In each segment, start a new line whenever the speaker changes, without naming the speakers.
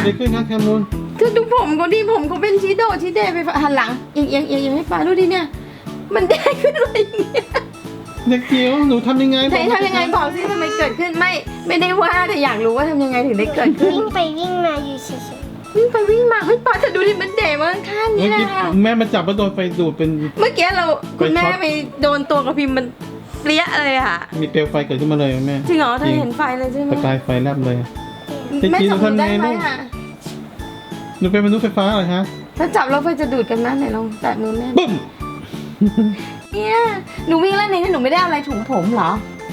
อะไรขึ้นนะแคมูล
คือดูผมเขาดิผมเขาเป็นชีโดชีเดไปหันหลังเอียงให้ป้าดูดิเนี่ยมันได้ขึ้นอะไรอย่างเงี้ย
เด็กจิ๋วหนูทำยังไง
ทำยังไงบอกสิทำไมเกิดขึ้นไม่ได้ว่าแต่อยากรู้ว่าทำยังไงถึงได้เกิดขึ้น
วิ่งไปวิ่งมาอยู่เฉย
วิ่งไปวิ่งมาเฮ้ยป้าจะดูดิมันเด๋มาข้าง
เมื่
นี้
อ
นะ
กี้
คะ
แม่มาจับแล้วโดนไฟดูดเป็น
เมื่อกี้คุณแม่
ไปช็อต
ไปโดนตัวกระพิมพ์มันเปรี้ยเลยอะ
มีเปลวไฟเกิดขึ้นมาเลยแม่
จริงเหรอเธอเห็นไฟเลยใช่ไหม
ประกายไฟแลบเลย
แม่จับหนูได้ไหมอะ
หนูเป็นมนุษย์ไฟฟ้าเหรอฮะ
ถ้าจับแล้วไฟจะดูดกันนะไหนลองแตะมือแม่
บึ้ม
เนี่ยหนูวิ่งเล่นในนี้หนูไม่ได้เอาอะไรถุงผมเหรอ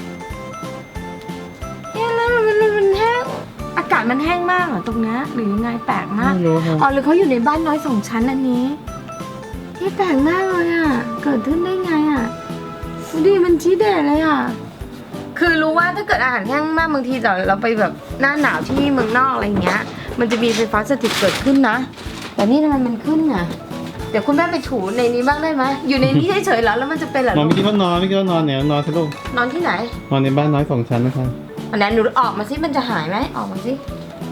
เนี่ยแล้วมันแห้งอากาศมันแห้งมากเหรอตรงนี้หรือยังไงแปลกมาก
ไม่รู้ค่ะ
อ๋อหรือเขาอยู่ในบ้านน้อยสองชั้นอันนี้ที่แปลกมากเลยอ่ะเกิดขึ้นได้ไงอ่ะดูดิมันชี้เด็ดเลยอ่ะคือรู้ว่าถ้าเกิดอาหารแห้งมากบางทีเราไปแบบหน้าหนาวที่เมืองนอกอะไรอย่างเงี้ย มันจะมีไฟฟ้าสถิตเกิดขึ้นนะแต่นี่ทำไมมันขึ้นอ่ะเดี๋ยวคุณแม่ไปถูในนี้บ้างได้ไหมอยู่ในนี้เฉยๆเหรอแล้วมันจะเป็นเหรอน
อนไม่คิดว่านอนไม่คิดว่านอนเนี่ยนอนสิลูก
นอนที่ไหน
นอนในบ้านน้อย2 ชั้นนะคะ
อันนั้นหนูออกมาสิมันจะหายไหมออกมาสิ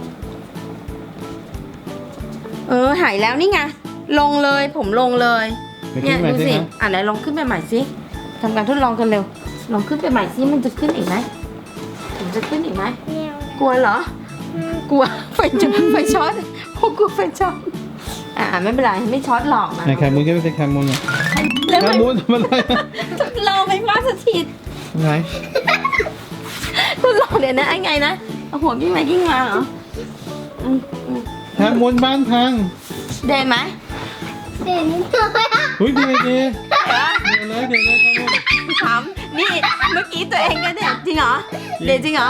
หายแล้วนี่ไงลงเลยผมลงเลย
ไป
เนี่
ขึ้
ย
นมา
ดู
สิ
สิ
คะ
ไหนลองขึ้นไปใหม่สิทำการทดลองกันเร็วลองขึ้นไปใหม่สิมันจะขึ้นอีกไหมผมจะขึ้นอีกไหม
ๆแนว
กลัวเหรอ กลัวไฟช็อตโอ้กลัวไฟช็อตไม่เป็นไรไม่ช็อตหรอกนะ
ไหนแคมูลก็ไม่ใช่แคมูลเนี่ย
แล้ว
แค
มัน
มูลทำอะไร
ทดลองไฟฟ้าสถิต
ไหน
ทดลองเดี๋ยวนะไอ้ไงนะเอาหัวกิ้งไปกิ้งมาเหรออืม
แคมูลบ้านพัง
ได้ไหม
เด่นนิดหน่อยอะ
อุ้ยดีเลยเดี๋ยวเลยแคมูล
ถามนี่เมื่อกี้ตัวเองก็เด็ดจริงเหรอเด็ดจริงเหรอ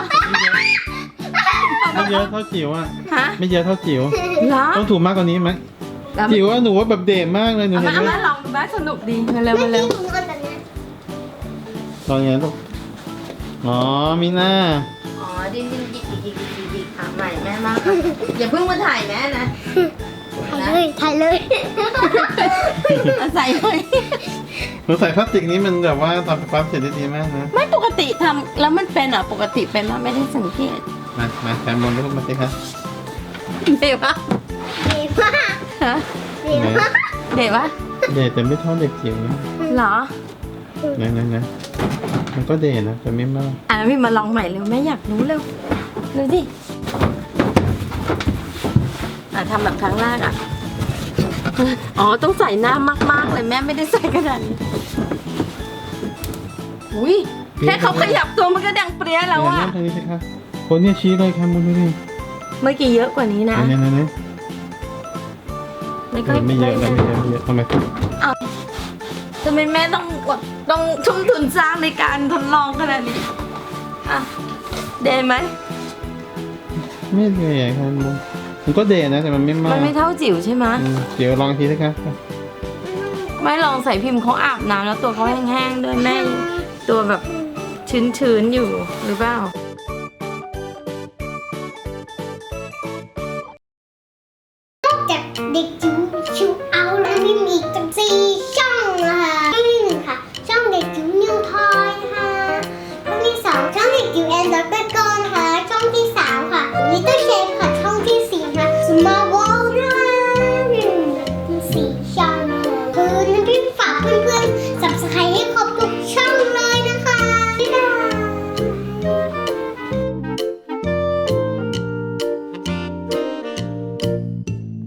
ไม่เยอะเท่าจิ๋วอ่ะ
ฮะ
ไม่เยอะเท่าจิ๋ว
เหรอ
ต้องถูกมากกว่านี้ไหม
แล้ว
จิ๋วว่าหนูว่าแบบเด่นมากเลยหนู
เอา
เห็
มาน
ไหม
ลองดูบ้างสนุกดีมาเร็วมาเร็ว
ที่หนูนอนแบบเนี้ย
ตอนไงลูกอ๋อมีหน้า
อ๋อดิ้นดิกใหม่แม่มากอย่าเพิ่งมาถ่ายแม่นะ
ถ่ายเลย
เอาใส่เลย
หนูใส่พลาสติกนี้มันแบบว่าทำไฟฟ้าเสร็จได้ดีมากนะ
ไม่ปกติทำแล้วมันเป็นอ่ะปกติเป็นมาไม่ได้สังเกต
มาแคมูลลูกมาสิคะ
เด็ดปะ
ดีมาก
ฮะ
ดีมาก
เด็ดปะ
เด่นแต่ไม่เท่าเด็กจิ๋วนะ
เหรอ
นะมันก็เด่นนะแต่ไม่มาก
พี่มาลองใหม่เร็วแม่อยากรู้เร็วดูสิทำแบบครั้งแรกอ่ะอ๋อต้องใส่หน้ามากๆเลยแม่ไม่ได้ใส่ขนาดนี้อุ้ยแค่เขาขยับตัวมันก็ดังเปรี้ยแล้วอ่ะ
เริ่มทางนี้สิคะคนเนี่ยชี้เลยแคมูลดูดิ
เมื่อกี้เยอะกว่านี้นะ
เนี่ย
ไม่ค่อย
ไม่เยอะนะไม่เยอะทำไม
ทำไมแม่ต้องทุ่มทุนสร้างในการทดลองขนาดนี้อ่ะเด่นไหม
ไม่เด่นแคมูลมันก็เด่นนะแต่มันไม่มาก
มันไม่เท่าจิ๋วใช่ไหม
จิ๋วลองทีสิคะ
ไม่ลองใส่พิมพ์เขาอาบน้ำแล้วตัวเขาแห้งๆด้วยแม่ตัวแบบชื้นๆอยู่หรือเปล่า